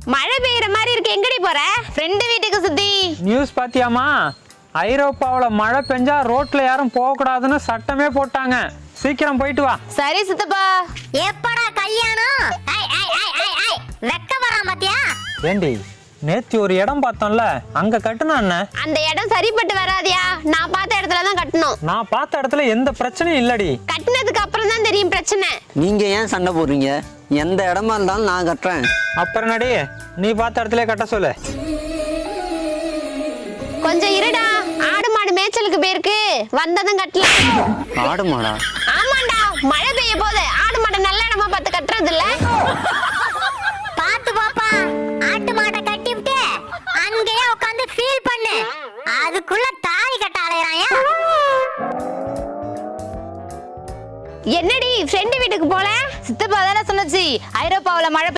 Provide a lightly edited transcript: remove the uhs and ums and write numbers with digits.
மழை பெய்யற மாதிரி இருக்கு, எங்கடி போற? ஃப்ரெண்டு வீட்டுக்கு சுத்தி. நியூஸ் பாத்தியாமா? ஐரோப்பாவில் மழை பெஞ்சா ரோட்ல யாரும் போக கூடாதுன்னு சட்டமே போட்டாங்க. சீக்கிரம் போயிட்டு வா. சரி சித்தப்பா. எப்படா கல்யாணம்? வெக்க வரான் பாத்தியா? ஏண்டி நேத்தி ஒரு இடம் பார்த்தோம்ல, அங்க கட்டுனா என்ன? அந்த இடம் சரிப்பட்டு வராதியா? நான் பார்த்த இடத்துல தான் கட்டணும். நான் பார்த்த இடத்துல எந்த பிரச்சனையும் இல்லடி. கட்டினதுக்கு அப்புறம் தான் தெரியும் பிரச்சனை. நீங்க ஏன் சண்டை போடுறீங்க? எந்த இடமா இருந்தாலும் நான் கட்டுறேன். அப்புறம் நடி, நீ பார்த்த இடத்துல கட்ட சொல்லு. கொஞ்சம் இருடா, ஆடு மாடு மேய்ச்சலுக்கு போயிருக்கு, வந்ததும் கட்டலாம். ஆடு மாடா? ஆமாண்டா, மழை பெய்ய போது ஆடு மாடு நல்ல இடமா பார்த்து கட்டுறது இல்ல. பாத்து பாப்பா, ஆட்டு மாட்டை கட்டிவிட்டு அங்கேயே உட்காந்து ஃபீல் பண்ணு. அதுக்குள்ள தாலி கட்ட அலையறாயா? என்னடி ஃப்ரெண்டு வீட்டுக்கு போல? சித்தப்பா தானே சொன்னச்சு ஐரோப்பாவுல மழை